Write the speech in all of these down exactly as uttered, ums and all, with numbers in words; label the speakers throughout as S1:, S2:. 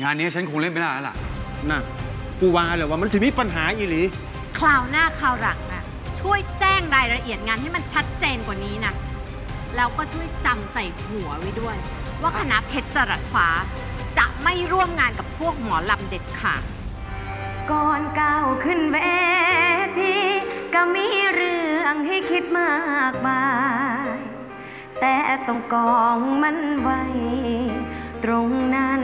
S1: งานนี้ฉันคงเล่นไม่ได้แล้วล่ะ
S2: น่ะกูว่าเลยว่ามันจะมีปัญหาอีหลี
S3: คราวหน้าคราวหลังอะช่วยแจ้งรายละเอียดงานให้มันชัดเจนกว่านี้นะแล้วก็ช่วยจำใส่หัวไว้ด้วย ว่าคณะเพชรจรัสฟ้าจะไม่ร่วมงานกับพวกหมอลำเด็ดขาด
S4: ก่อนก้าวขึ้นเวทีก็มีเรื่องให้คิดมากมายแต่ต้องกองมันไว้ตรงนั้น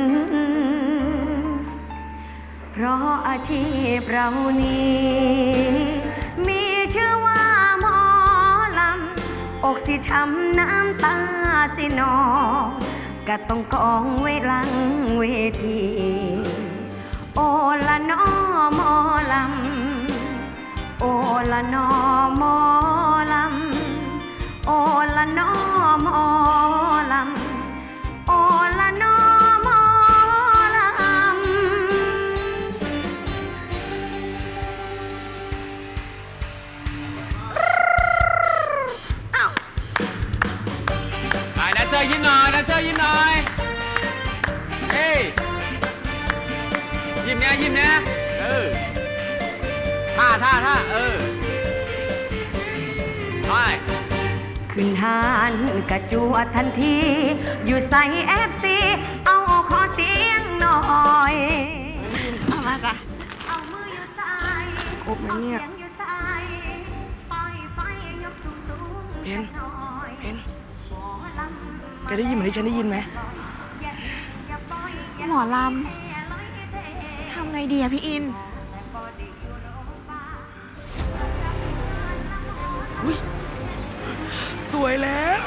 S4: เพราะอาชีพเรานี้มีชื่อว่าหมอลำอกสิช้ำน้ำตาสินองก็ต้องกองไว้หลังเวทีโอละนอหมอลำโอละนอหมอลำโอละนอหมอลำโอละนอหมอลำ
S1: อ้าวไปแดนเซอร์ยิ้มหน่อยแดนเซอร์ยิ้มหน่อยเฮ้ยยิ้มเนี้ยยิ้มเนี้ยเออท่าท่าท่าเออไป
S4: ขึ้นหานกระจวดทันทีอยู่ใส่เอฟซีเอาขอเสียงหน่อย
S3: เอามาจ้ะ
S4: เอามืออยู่ใส่
S2: ครบไหมเนี่ย
S4: เพน
S2: เพนแกได้ยินเหมือนที่ฉันได้ยินไหม
S3: หมอลำทำไงดีอะพี่อิน
S2: อุ้ยสวยแล้ว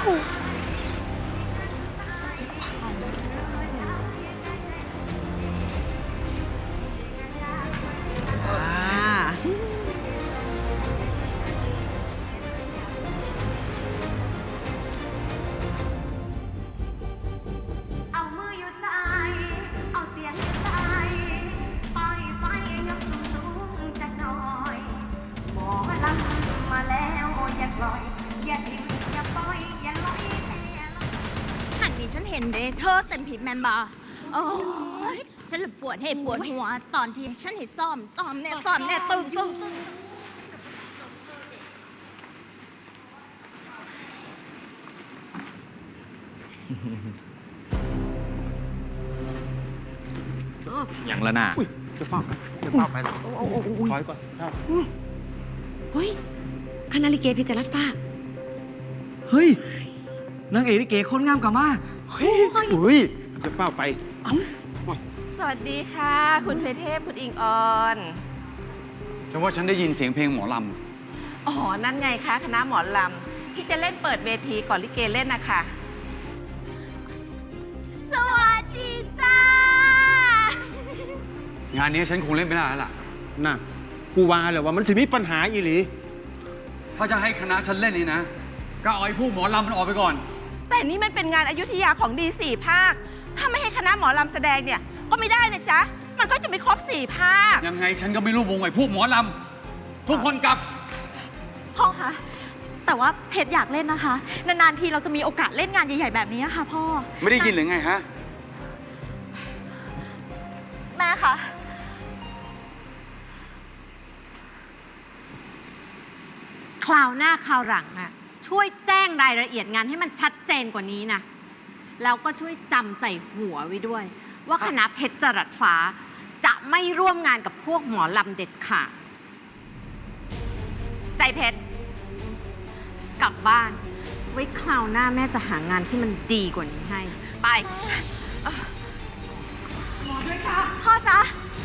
S4: เอามืออยู่ใส่เอาเสียงอยู่ใส่ปล่อยไฟยกสูงๆจักหน่อยหมอลำมาแล้วอย่าปล่อยอย่าทิ้งอย่าปล่อยอย่าลอย
S3: หันนี้ฉันเห็นเดเธอเต็มผิดแมนบาโอ้ยฉันเลยปวดเหตุปวดหัวตอนที่ฉันเห็นซ้อมซ้อมเนี่ยซ้อมเนี่ยตึงตึงตึง
S1: อย่างละน่ะ
S2: อุ้ยจะฟ้าจะฟ้าไปถอยก่อนเศร้า
S4: เฮ้ยคณะลิเกเพชรรัตน์ฟ้า
S2: เฮ้ยนางเอกลิเกคนงามกว่ามาเฮ้ยอุ้ยจะฟ้าไป
S5: สวัสดีค่ะ คุณเพเทพคุณอิงออน
S1: ฉันว่าฉันได้ยินเสียงเพลงหมอล
S5: อ๋อ นั่นไงคะคณะหมอลำที่จะเล่นเปิดเวทีก่อนลิเกเล่นนะคะ
S3: สวัสดีจ้าง
S1: านนี้ฉันคงเล่นไม่ได้แล้วล่ะ
S2: น่ะกูว่าเลยว่ามันจะมีปัญหาอีหลี
S1: ถ้าจะให้คณะฉันเล่นนี่นะก็เอาไอ้พวกหมอลำมันออกไปก่อน
S5: แต่นี่มันเป็นงานอยุธยาของดีสี่ภาคถ้าไม่ให้คณะหมอลำแสดงเนี่ยก็ไม่ได้นะจ๊ะมันก็จะไม่ครบสี่ภาค
S1: ยังไงฉันก็ไม่รู้วงไอ้พวกหมอลำทุกคนกลับ
S6: พ่อคะแต่ว่าเพชรอยากเล่นนะคะนานๆทีเราจะมีโอกาสเล่นงานใหญ่ๆแบบนี้ค่ะพ่อ
S1: ไม่ได้ยินหรือไงฮะ
S6: แม่คะ
S3: คราวหน้าคราวหลังอะช่วยแจ้งรายละเอียดงานให้มันชัดเจนกว่านี้นะแล้วก็ช่วยจำใส่หัวไว้ด้วย ว่าคณะเพชรจรัสฟ้าจะไม่ร่วมงานกับพวกหมอลำเด็ดขาดใจเพชรกลับบ้านไว้คราวหน้าแม่จะหางานที่มันดีกว่านี้ให้ไป
S6: หมอด้วยค่ะพ่อจ๊ะ